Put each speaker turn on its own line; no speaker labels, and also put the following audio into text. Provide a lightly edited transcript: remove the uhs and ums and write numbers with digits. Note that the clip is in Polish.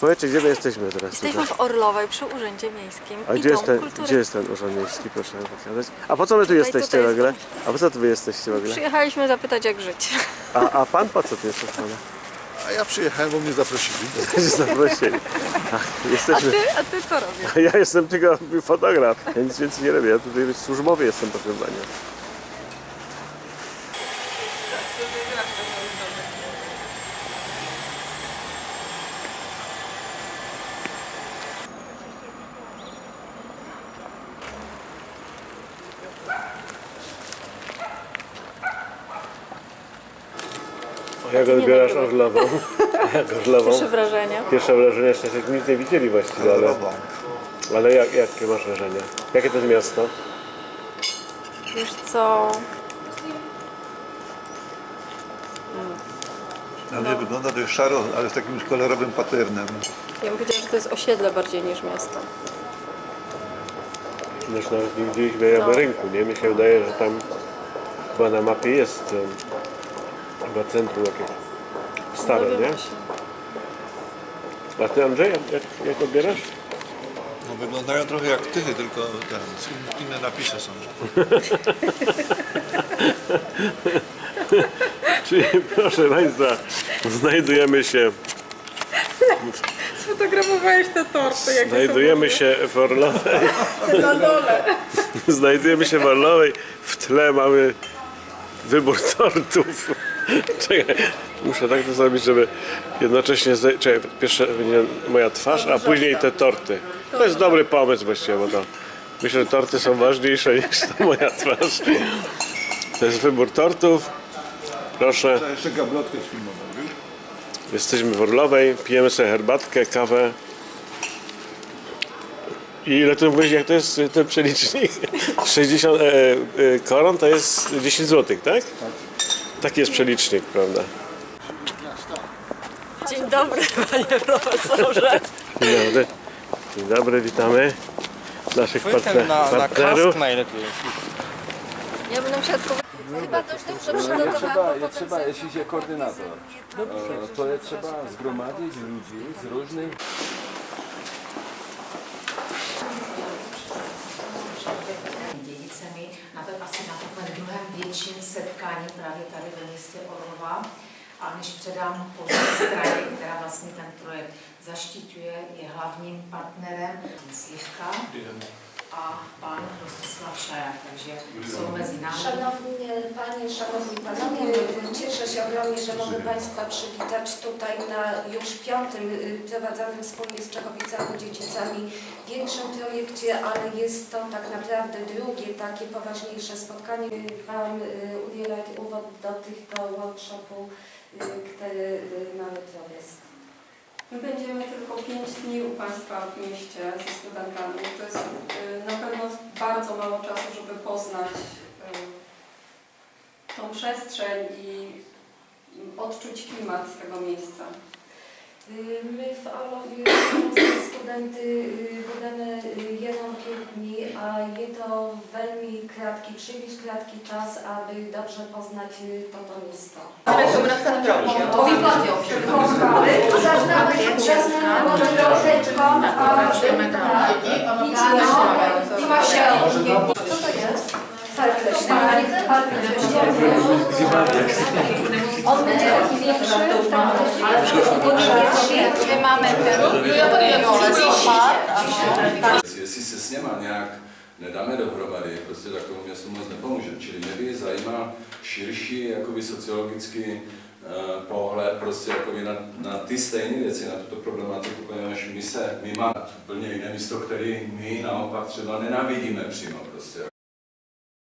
powiedzcie, gdzie my jesteśmy teraz?
Jesteśmy w Orlowej przy Urzędzie Miejskim
A
i
gdzie
Kultury.
jest ten Urząd Miejski, proszę pokazać? A po co my tu jesteście
tutaj
w ogóle?
jest
A po co tu wy jesteście w ogóle?
Przyjechaliśmy zapytać, jak żyć.
A pan po co tu jest?
A ja przyjechałem, bo mnie zaprosili.
Zaprosili. Jesteśmy...
A ty co robisz?
Ja jestem tylko fotograf, ja nic więcej nie robię. Ja tutaj służbowy jestem, proszę panią. Jak odbierasz Orlową? Jak Orlową?
Pierwsze wrażenia.
Pierwsze wrażenie, jeszcze nic nie widzieli właściwie, ale jakie masz wrażenie? Jakie to jest miasto?
Wiesz co?
Na mnie wygląda dość szaro, ale z takim kolorowym paternem.
Ja bym powiedziała, że to jest osiedle bardziej niż miasto.
Już nawet nie widzieliśmy rynku, nie? Mi się wydaje, że tam chyba na mapie jest chyba centrum jakieś stare, nie?
Dowiemy się.
A ty, Andrzej, jak odbierasz?
No, wyglądają trochę jak tychy, tylko inne napisy są.
Czyli proszę Państwa, znajdujemy się
Sfotografowałeś te torty, jak
Znajdujemy się w Orlowej.
na dole.
Znajdujemy się w Orlowej. W tle mamy wybór tortów. Czekaj, muszę tak to zrobić, żeby jednocześnie... Czekaj, pierwsze będzie moja twarz, a później te torty. To jest dobry pomysł właściwie, bo to... Myślę, że torty są ważniejsze niż ta moja twarz. To jest wybór tortów. Proszę.
A jeszcze gablotkę filmową, wiesz?
Jesteśmy w Orlowej, pijemy sobie herbatkę, kawę. I ile tu mówisz, jak to jest ten przelicznik? 60 koron to jest 10 zł, tak? Taki jest przelicznik, prawda?
Dzień dobry, panie profesorze.
Dzień dobry. Dzień dobry, witamy naszych
Na
partnerów.
kask najlepiej.
Ja będę musiała tylko... Chyba dość dobrze przygotowałam.
Trzeba, jeśli się koordynator, to trzeba zgromadzić ludzi z różnych...
Dědicemi asi na takovém druhém větším setkání právě tady ve městě Orlova. A než předám polské straně, která vlastně ten projekt zaštiťuje, je hlavním partnerem Slivka a pan Rostislav Šajak, takže jsou mezi námi.
Szanowni Panie, Szanowni Panowie, cieszę się ogromnie, że mogę Państwa przywitać tutaj na już 5. prowadzonym wspólnie z Czechowicami-Dziedzicami większym projekcie, ale jest to tak naprawdę drugie takie poważniejsze spotkanie. Wam udzielać uwod do tego workshopu, który mamy prowadzony.
My będziemy tylko 5 dni u Państwa w mieście ze studentami. To jest na pewno bardzo mało czasu, żeby poznać tą przestrzeń i odczuć klimat tego miejsca.
My w Orlowie studenty budeme jenom 5 dní a je to velmi krátký, příliš krátký čas, aby dobře poznać toto místo.
To výplatě ovšem.
Zaznamy troszeczkę,
Pracujeme tam.
Co to jest? On będzie taki większy, ale
My máme ten
Jestli se s něma nějak nedáme dohromady, prostě tak tomu městu moc nepomůže. Čili mě by zajímal širší jakoby sociologický pohled prostě jakoby na ty stejné věci, na tuto problematiku, poněvadž my máme úplně jiné místo, které my naopak třeba nenávidíme přímo prostě.